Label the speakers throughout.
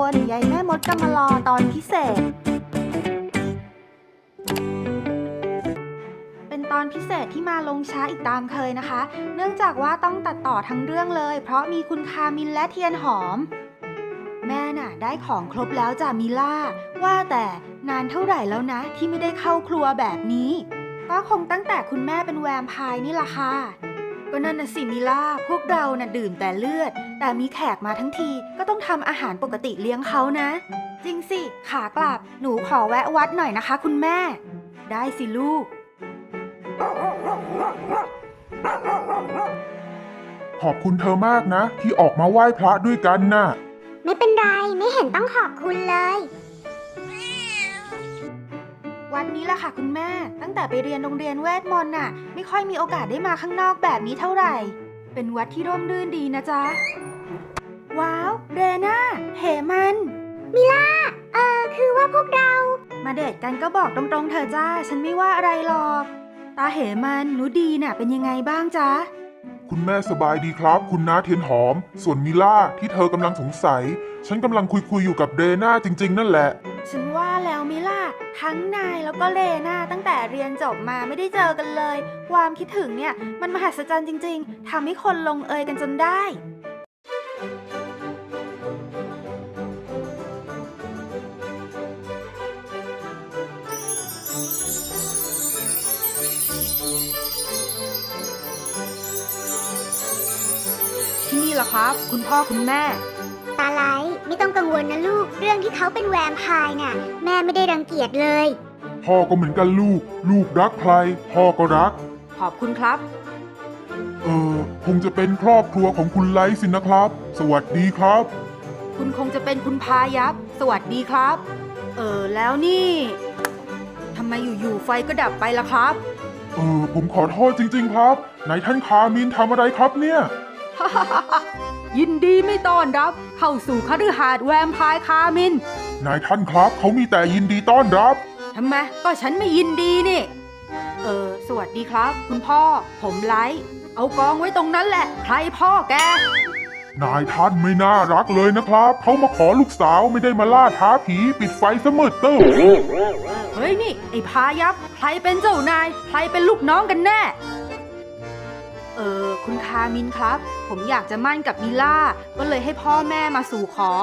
Speaker 1: นยายแม่มดกำมะลอตอนพิเศษเป็นตอนพิเศษที่มาลงช้าอีกตามเคยนะคะเนื่องจากว่าต้องตัดต่อทั้งเรื่องเลยเพราะมีคุณคามินและเทียนหอมแม่น่ะได้ของครบแล้วจ้ะมิล่าว่าแต่นานเท่าไหร่แล้วนะที่ไม่ได้เข้าครัวแบบนี้ก็คงตั้งแต่คุณแม่เป็นแวมไพร์นี่ล่ะค่ะก็นั่นน่ะสิมิล่าพวกเราน่ะดื่มแต่เลือดแต่มีแขกมาทั้งทีก็ต้องทำอาหารปกติเลี้ยงเขานะจริงสิขากลับหนูขอแวะวัดหน่อยนะคะคุณแม่ได้สิลูก
Speaker 2: ขอบคุณเธอมากนะที่ออกมาไหว้พระด้วยกันน่ะ
Speaker 3: ไม่เป็นไรไม่เห็นต้องขอบคุณเลย
Speaker 1: วันนี้ล่ะค่ะคุณแม่ตั้งแต่ไปเรียนโรงเรียนเวทมนต์น่ะไม่ค่อยมีโอกาสได้มาข้างนอกแบบนี้เท่าไหร่เป็นวัดที่ร่มรื่นดีนะจ๊ะว้าวเรน่าเหมัน
Speaker 3: มิล่าคือว่าพวกเรา
Speaker 1: มาเดทกันก็บอกตรงๆเธอจ้าฉันไม่ว่าอะไรหรอกตาเหมันหนูดีน่ะเป็นยังไงบ้างจ๊ะ
Speaker 2: คุณแม่สบายดีครับคุณน้าเทียนหอมส่วนมิล่าที่เธอกำลังสงสัยฉันกำลังคุยอยู่กับเรน่าจริงๆนั่นแหละ
Speaker 1: ฉันว่าแล้วมิล่าทั้งนายแล้วก็เรน่าตั้งแต่เรียนจบมาไม่ได้เจอกันเลยความคิดถึงเนี่ยมันมหัศจรรย์จริงๆทำให้คนลงเอยกันจนได้ที่นี่ล่ะครับคุณพ่อคุณแม่
Speaker 3: ตาไลไม่ต้องกังวลนะลูกเรื่องที่เขาเป็นแวมไพร์น่ะแม่ไม่ได้รังเกียจเลย
Speaker 2: พ่อก็เหมือนกันลูกรักใครพ่อก็รัก
Speaker 1: ขอบคุณครับ
Speaker 2: คงจะเป็นครอบครัวของคุณไลท์สินะครับสวัสดีครับ
Speaker 1: คุณคงจะเป็นคุณพายับสวัสดีครับแล้วนี่ทำไมอยู่ๆไฟก็ดับไปล่ะครับ
Speaker 2: ผมขอโทษจริงๆครับไหนท่านคามินทำอะไรครับเนี่ย
Speaker 1: ยินดีไม่ต้อนรับเข้าสู่คฤหาสน์แวมไพร์คามิน
Speaker 2: นายท่านครับเขามีแต่ยินดีต้อนรับ
Speaker 1: ทำไมก็ฉันไม่ยินดีนี่สวัสดีครับคุณพ่อผมไลท์เอากองไว้ตรงนั้นแหละใครพ่อแก
Speaker 2: นายท่านไม่น่ารักเลยนะครับเขามาขอลูกสาวไม่ได้มาล่าท้าผีปิดไฟเสมอเต้อ
Speaker 1: เฮ้ยนี่ไอ้พายับใครเป็นเจ้านายใครเป็นลูกน้องกันแน่คุณคามินครับผมอยากจะมั่นกับมิล่าก็เลยให้พ่อแม่มาสู่ขอ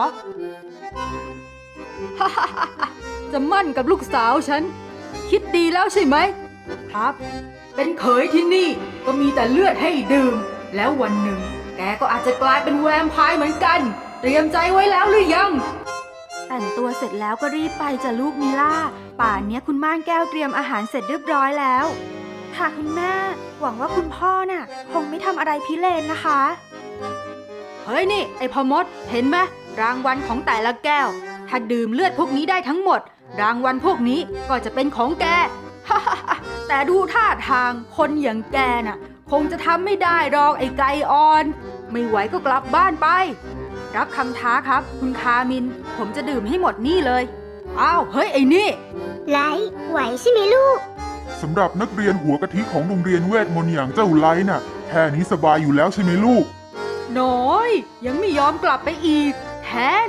Speaker 1: จะมั่นกับลูกสาวฉันคิดดีแล้วใช่ไหมครับเป็นเขยที่นี่ก็มีแต่เลือดให้ดื่มแล้ววันหนึ่งแกก็อาจจะกลายเป็นแวมไพร์เหมือนกันเตรียมใจไว้แล้วหรือยังแต่งตัวเสร็จแล้วก็รีบไปจ้ะลูกมิล่าป่านนี้คุณม่านแก้วเตรียมอาหารเสร็จเรียบร้อยแล้วค่ะคุณแม่หวังว่าคุณพ่อน่ะคงไม่ทำอะไรพิเรนนะคะเฮ้ยนี่ไอ้พ่อมดเห็นไหมรางวัลของแต่ละแก้วถ้าดื่มเลือดพวกนี้ได้ทั้งหมดรางวัลพวกนี้ก็จะเป็นของแก แต่ดูท่าทางคนอย่างแกน่ะคงจะทำไม่ได้หรอกไอ้ไก่อ่อนไม่ไหวก็กลับบ้านไปรับคำท้าครับคุณคามินผมจะดื่มให้หมดนี่เลยอ้าวเฮ้ยไอ้นี่
Speaker 3: ไลท์ไหวใช่ไหมลูก
Speaker 2: สำหรับนักเรียนหัวกะทิของโรงเรียนเวทมนต์อย่างเจ้าไลท์น่ะแค่นี้สบายอยู่แล้วใช่ไหมลูก
Speaker 1: น้อยยังไม่ยอมกลับไปอีกแทน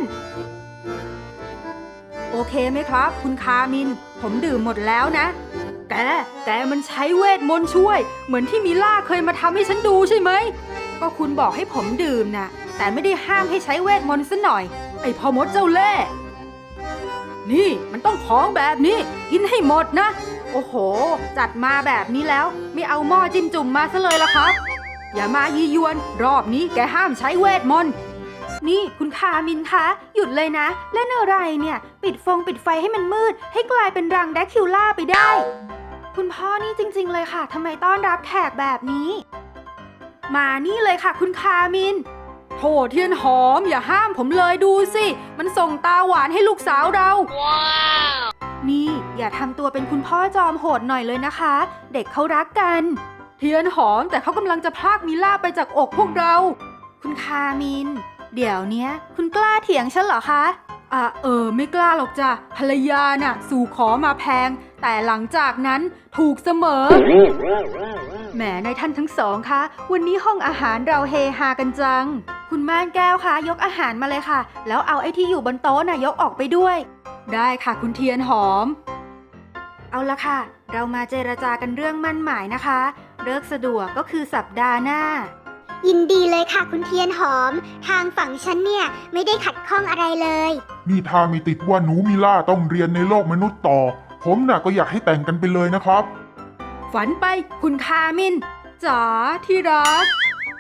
Speaker 1: โอเคไหมครับคุณคามินผมดื่มหมดแล้วนะแกมันใช้เวทมนต์ช่วยเหมือนที่มิล่าเคยมาทำให้ฉันดูใช่ไหมก็คุณบอกให้ผมดื่มนะแต่ไม่ได้ห้ามให้ใช้เวทมนต์ซะหน่อยไอ้พ่อมดเจ้าเล่ห์นี่มันต้องของแบบนี้กินให้หมดนะโอ้โหจัดมาแบบนี้แล้วไม่เอาหม้อจิ้มจุ่มมาซะเลยล่ะครับอย่ามายียวนรอบนี้แกห้ามใช้เวทมนต์นี่คุณคามินคะหยุดเลยนะเล่นอะไรเนี่ยปิดไฟให้มันมืดให้กลายเป็นรังแดคิวล่าไปได้คุณพ่อนี่จริงๆเลยค่ะทำไมต้อนรับแขกแบบนี้มานี่เลยค่ะคุณคามินโถเทียนหอมอย่าห้ามผมเลยดูสิมันส่งตาหวานให้ลูกสาวเราว้าวนี่อย่าทำตัวเป็นคุณพ่อจอมโหดหน่อยเลยนะคะเด็กเขารักกันเทียนหอมแต่เขากำลังจะพรากมิล่าไปจากอกพวกเราคุณคามินเดี๋ยวเนี้ยคุณกล้าเถียงฉันเหรอคะไม่กล้าหรอกจ้ะภรรยาน่ะสู่ขอมาแพงแต่หลังจากนั้นถูกเสมอแหมนายท่านทั้งสองคะวันนี้ห้องอาหารเราเฮฮากันจัง คุณม่านแก้วคะยกอาหารมาเลยค่ะ แล้วเอาไอ้ที่อยู่บนโต๊ะน่ะยกออกไปด้วย ได้ค่ะคุณเทียนหอม เอาละค่ะ เรามาเจรจากันเรื่องมั่นหมายนะคะเลิกสะดวกก็คือสัปดาห์หน้า
Speaker 3: ยินดีเลยค่ะคุณเทียนหอม ทางฝั่งฉันเนี่ยไม่ได้ขัดข้องอะไรเลย
Speaker 2: นี่ถ้ามีติดว่าหนูมิล่าต้องเรียนในโลกมนุษย์ต่อ ผมน่ะก็อยากให้แต่งกันไปเลยนะครับ
Speaker 1: ฝันไปคุณคามินจ๋าที่รัก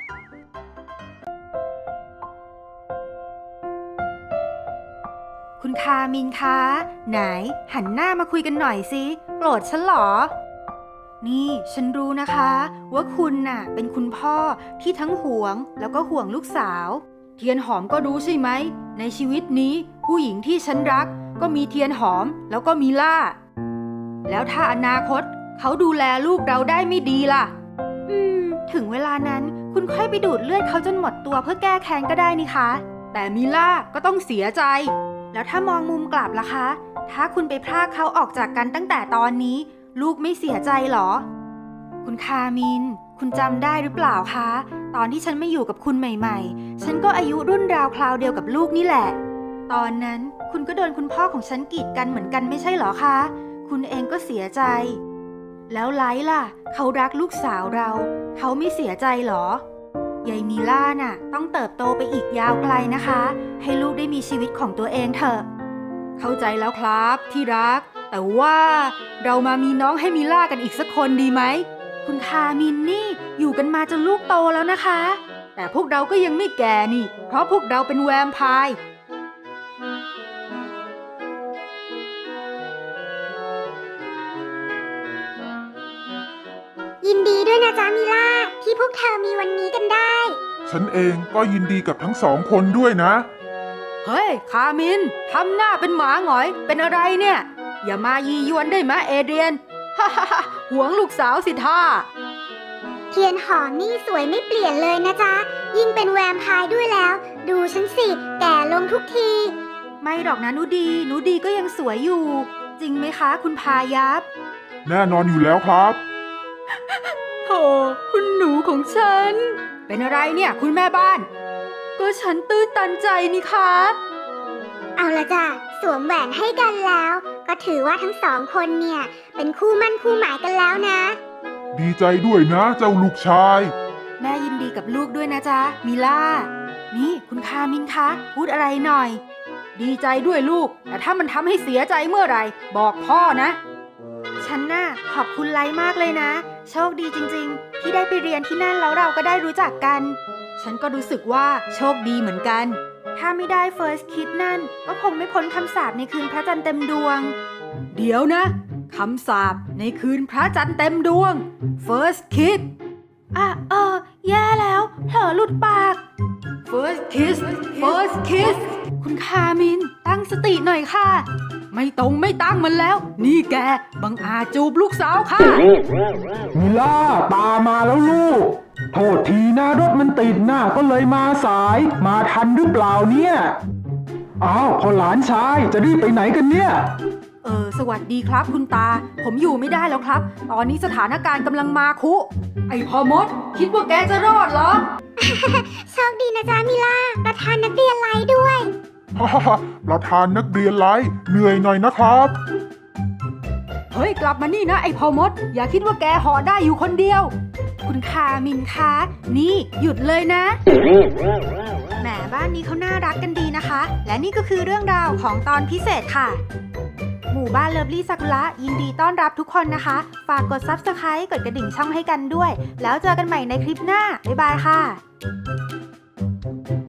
Speaker 1: คุณคามินคะไหนหันหน้ามาคุยกันหน่อยสิโกรธฉันเหรอ นี่ฉันรู้นะคะว่าคุณน่ะเป็นคุณพ่อที่ทั้งห่วงแล้วก็ห่วงลูกสาวเทียนหอมก็รู้ใช่ไหมในชีวิตนี้ผู้หญิงที่ฉันรักก็มีเทียนหอมแล้วก็มีล่าแล้วถ้าอนาคตเขาดูแลลูกเราได้ไม่ดีล่ะถึงเวลานั้นคุณค่อยไปดูดเลือดเขาจนหมดตัวเพื่อแก้แค้นก็ได้นี่คะแต่มิล่าก็ต้องเสียใจแล้วถ้ามองมุมกลับล่ะคะถ้าคุณไปพรากเขาออกจากกันตั้งแต่ตอนนี้ลูกไม่เสียใจหรอคุณคามินคุณจำได้หรือเปล่าคะตอนที่ฉันไม่อยู่กับคุณใหม่ๆฉันก็อายุรุ่นราวคราวเดียวกับลูกนี่แหละตอนนั้นคุณก็โดนคุณพ่อของฉันกีดกันเหมือนกันไม่ใช่หรอคะคุณเองก็เสียใจแล้วไลท์ล่ะเขารักลูกสาวเราเขาไม่เสียใจหรอยายมีล่าน่ะต้องเติบโตไปอีกยาวไกลนะคะให้ลูกได้มีชีวิตของตัวเองเถอะเข้าใจแล้วครับที่รักแต่ว่าเรามามีน้องให้มิล่ากันอีกสักคนดีไหมคุณคามินนี่อยู่กันมาจนลูกโตแล้วนะคะแต่พวกเราก็ยังไม่แก่นี่เพราะพวกเราเป็นแวมไพร์
Speaker 3: ยินดีด้วยนะจ๊ะมิล่าที่พวกเธอมีวันนี้กันได้
Speaker 2: ฉันเองก็ยินดีกับทั้งสองคนด้วยนะ
Speaker 1: เฮ้ยคามินทำหน้าเป็นหมาหงอยเป็นอะไรเนี่ยอย่ามายียวนได้ไหมเอเดรียน ฮ่าฮ่าฮ่าหวงลูกสาวสิท่า
Speaker 3: เทียนหอมนี่สวยไม่เปลี่ยนเลยนะจ๊ะยิ่งเป็นแวมไพร์ด้วยแล้ว ดูฉันสิแก่ลงทุกที
Speaker 1: ไม่หรอกนะหนูดีก็ยังสวยอยู่ จริงไหมคะคุณพายับ
Speaker 2: แน่นอนอยู่แล้วครับ
Speaker 1: โธ่คุณหนูของฉัน เป็นอะไรเนี่ยคุณแม่บ้าน ก็ฉันตื้นตันใจนี่คะ
Speaker 3: เอาละจ้ะสวมแหวนให้กันแล้ว ก็ถือว่าทั้งสองคนเนี่ยเป็นคู่มั่นคู่หมายกันแล้วนะ
Speaker 2: ดีใจด้วยนะเจ้าลูกชาย
Speaker 1: แม่ยินดีกับลูกด้วยนะจ๊ะมิล่านี่คุณคามินคะพูดอะไรหน่อย ดีใจด้วยลูกแต่ถ้ามันทำให้เสียใจเมื่อไหร่บอกพ่อนะฉันน่ะขอบคุณไลท์มากเลยนะโชคดีจริงๆที่ได้ไปเรียนที่นั่นแล้วเราก็ได้รู้จักกันฉันก็รู้สึกว่าโชคดีเหมือนกันถ้าไม่ได้ First Kiss นั่นก็คงไม่พ้นคำสาปในคืนพระจันทร์เต็มดวงเดี๋ยวนะคำสาปในคืนพระจันทร์เต็มดวง First Kiss แย่แล้วเผลอหลุดปาก First Kiss คุณคามินตั้งสติหน่อยค่ะ ไม่ตั้งมันแล้ว นี่แกบังอาจจูบลูกสาวค่ะ
Speaker 4: มิล่าตามมาแล้วลูก โทษทีนะรถมันติดนะก็เลยมาสายมาทันหรือเปล่าเนี่ยอ้าวพอหลานชายจะรีบไปไหนกันเนี่ย
Speaker 1: สวัสดีครับคุณตา ผมอยู่ไม่ได้แล้วครับ ตอนนี้สถานการณ์กำลังมาคุ ไอ้พ่อมด คิดว่าแกจะรอดเหรอ
Speaker 3: โชคดีนะจ๊ะมิล่าประธานนักเรียนไลท์ด้วย
Speaker 2: ฮ่าฮ่าประธานนักเรียนไลฟ์เหนื่อยหน่อยนะครับ
Speaker 1: เฮ้ยกลับมานี่นะไอ้พ่อมด อย่าคิดว่าแกห่อได้อยู่คนเดียว คุณคามินคะนี่หยุดเลยนะแหมบ้านนี้เขาน่ารักกันดีนะคะ และนี่ก็คือเรื่องราวของตอนพิเศษค่ะ หมู่บ้านเลิฟลี่ซากุระยินดีต้อนรับทุกคนนะคะ ฝากกด Subscribe กดกระดิ่งช่องให้กันด้วย แล้วเจอกันใหม่ในคลิปหน้าบ๊ายบายค่ะ